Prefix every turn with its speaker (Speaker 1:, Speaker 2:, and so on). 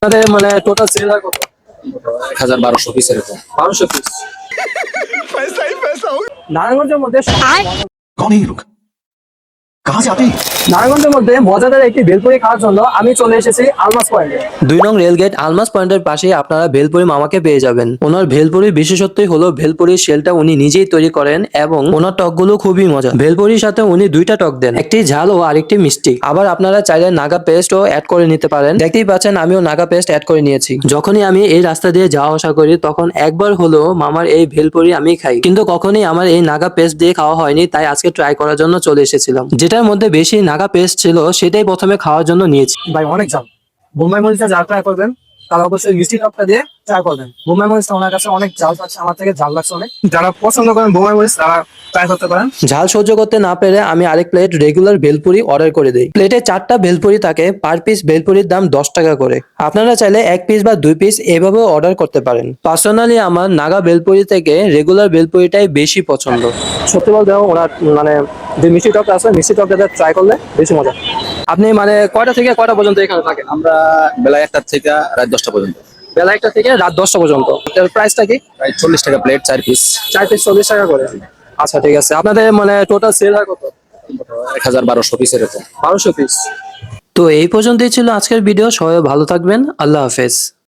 Speaker 1: আপনাদের মানে total sell হয় কত?
Speaker 2: 1200 পিস এরকম।
Speaker 1: 1200 পিস। নারায়ণগঞ্জের মধ্যে
Speaker 3: कौन है ये लोग? कहाँ से आते हैं?
Speaker 1: নারায়ণগঞ্জের মধ্যে মজাদার একটি ভেলপুরি খাওয়ার জন্য আমি চলে এসেছি আলমাস পয়েন্টে।
Speaker 4: 2 নং রেলগেট আলমাস পয়েন্টের পাশেই আপনারা ভেলপুরি মামাকে পেয়ে যাবেন। ওনার ভেলপুরির বিশেষত্বই হলো ভেলপুরির শেলটা উনি নিজেই তৈরি করেন এবং ওনার টকগুলো খুবই মজা। ভেলপুরির সাথে উনি 2টা টক দেন, একটি ঝাল ও আরেকটি মিষ্টি। আবার আপনারা চাইলে নাগা পেস্টও অ্যাড করে নিতে পারেন। দেখতেই পাচ্ছেন আমিও নাগা পেস্ট অ্যাড করে নিয়েছি। যখনই আমি এই রাস্তা দিয়ে যাওয়া আসা করি তখন একবার হলো মামার এই ভেলপুরি আমি খাই, কিন্তু কখনোই আমার এই নাগা পেস্ট দিয়ে খাওয়া হয়নি। তাই আজকে ট্রাই করার জন্য চলে এসেছিলাম। যেটার মধ্যে বেশি নাগা পেস্ট ছিল সেটাই প্রথমে খাওয়ার জন্য নিয়েছি।
Speaker 1: ভাই অনেক ঝাল। বোম্বাই মরিচটা যা ট্রাই করবেন তারা অবশ্যই মিষ্টি টকটা দিয়ে ট্রাই করবেন। বোম্বাই মরিচটা ওনার কাছে অনেক ঝাল লাগছে, আমার থেকে ঝাল লাগছে অনেক। যারা পছন্দ করেন বোম্বাই মরিচ তারা ট্রাই করতে পারেন।
Speaker 4: ঝাল সহ্য করতে না পেরে আমি আরেক প্লেট রেগুলার ভেলপুরি অর্ডার করে দিই। প্লেটে 4টা ভেলপুরি থাকে, পার পিস ভেলপুরির দাম 10 টাকা করে। আপনারা চাইলে 1 পিস বা 2 পিস এভাবেও অর্ডার করতে পারেন। পার্সোনালি আমার নাগা ভেলপুরি থেকে রেগুলার ভেলপুরিটাই বেশি পছন্দ।
Speaker 1: সত্যি বলতে ওনার মানে যে মিষ্টি টকটা আছে মিষ্টি টকটা ট্রাই করলে বেশি মজা। আপনি মানে কয়টা থেকে কয়টা পর্যন্ত এখানে থাকেন?
Speaker 2: আমরা বেলা 1টা থেকে রাত 10টা পর্যন্ত।
Speaker 1: বেলা 1টা থেকে রাত 10টা পর্যন্ত। এর প্রাইসটা কি?
Speaker 2: প্রায় 40 টাকা প্লেট, 4 পিস।
Speaker 1: 4 পিস 40 টাকা করে। আচ্ছা ঠিক আছে। আপনাদের মানে টোটাল সেল হয় কত?
Speaker 2: 1200 পিস এরকম।
Speaker 1: 1200 পিস।
Speaker 4: তো এই পর্যন্তই ছিল আজকের ভিডিও। সবাই ভালো থাকবেন। আল্লাহ হাফেজ।